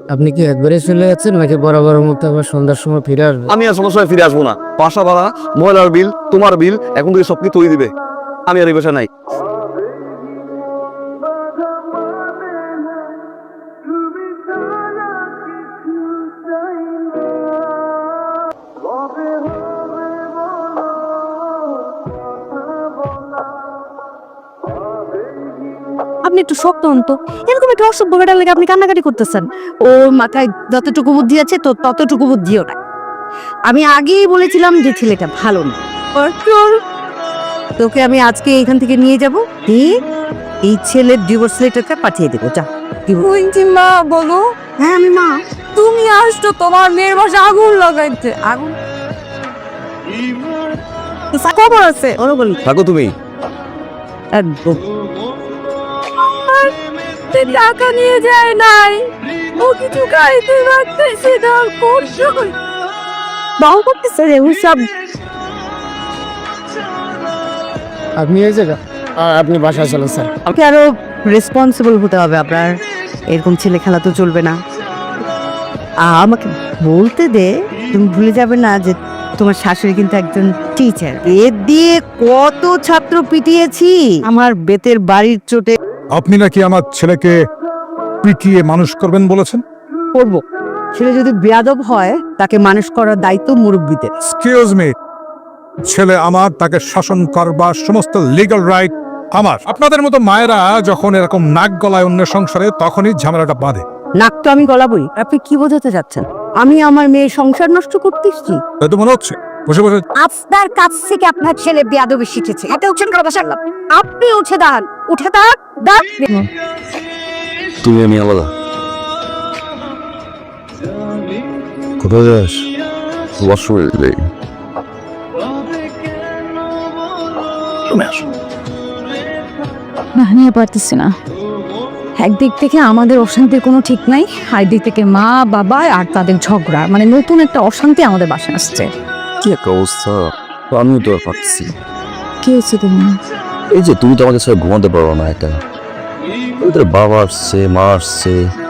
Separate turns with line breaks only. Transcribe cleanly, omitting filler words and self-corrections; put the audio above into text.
আপনি কি একবারে চলে যাচ্ছেন নাকি বরাবর মতো আবার সন্ধ্যার সময় ফিরে আসবেন?
আমি আর কোনো সময় ফিরে আসবো না। বাসা ভাড়া, ময়লার বিল, তোমার বিল এখন থেকে সব কি তুই দিবে। আমি আর এই বাসা নাই।
আপনি একটু শক্ত হন তো, এরকম একটা অসভ্য বেটার লেগে আপনি কান্নাকাটি করতেছেন। ওর মাথায় যতটুকু বুদ্ধি আছে তো ততটুকু বুদ্ধিও না। আমি আগেই বলেছিলাম যে ছেলেটা ভালো না। তোকে আমি আজকে এখান থেকে নিয়ে যাব, দিয়ে এই ছেলের ডিভোর্স লেটারটা পাঠিয়ে দেবো। যা মা বলো। হ্যাঁ আমি মা। তুমি আসছো তোমার মেয়ের বাসা আগুন লাগাইতে। আগুন খবর আছে ওরা বলি
থাকো তুমি।
একদম টাকা নিয়ে যায় নাই, ও কিছু খাইতে পারতেছে না, করছো বাউ করতেছে রে ওসব।
আপনি এই জায়গা আপনি বাসায় চলেন স্যার।
আমাকে আরো রেসপন্সিবল হতে হবে আপনার, এরকম ছেলে খেলা তো চলবে না। আমাকে বলতে দে, তুমি ভুলে যাবে না যে তোমার শাশুড়ি কিন্তু একজন টিচার। এর দিয়ে কত ছাত্র পিটিয়েছি আমার বেতের বাড়ির চোটে।
আপনি নাকি আমার ছেলেকে পিটিয়ে মানুষ করবেন বলেছেন?
করব, ছেলে যদি বেয়াদব হয় তাকে মানুষ করার দায়িত্ব মুরব্বীদের।
এক্সকিউজ মি, ছেলে আমার, তাকে শাসন করবার সমস্ত লিগ্যাল রাইট আমার। আপনাদের মতো মায়েরা যখন এরকম নাক গলায় অন্য সংসারে, তখনই ঝামেলাটা বাঁধে।
নাক তো আমি গলাবই। আপনি কি বোঝাতে যাচ্ছেন? আমি আমার মেয়ের সংসার নষ্ট করতেছি?
তাই তো মনে হচ্ছে। বসে বসে
আপনার কাছ থেকে আপনার ছেলে বেয়াদবি শিখেছে। এটা উঠছেন কথা সারলাম, আপনি উঠে দাঁড়ান, উঠে দাঁড়ান।
তুমি আমি আলাদা। কোথায় যাস? ওয়াশরুমে যাই। তুমি আসো।
না নিয়ে পারতেছি না। একদিক থেকে আমাদের অশান্তির কোনো ঠিক নাই, আর একদিক থেকে মা বাবা আর তাদের ঝগড়া, মানে নতুন একটা অশান্তি আমাদের বাসায় আসছে।
কি একটা অবস্থা, আমিও তো আর পারছি।
কি হচ্ছে তুমি?
এই যে তুমি তো আমাদের সাথে ঘুমাতে পারো না একা। ওদের বাবা আসছে, মা আসছে,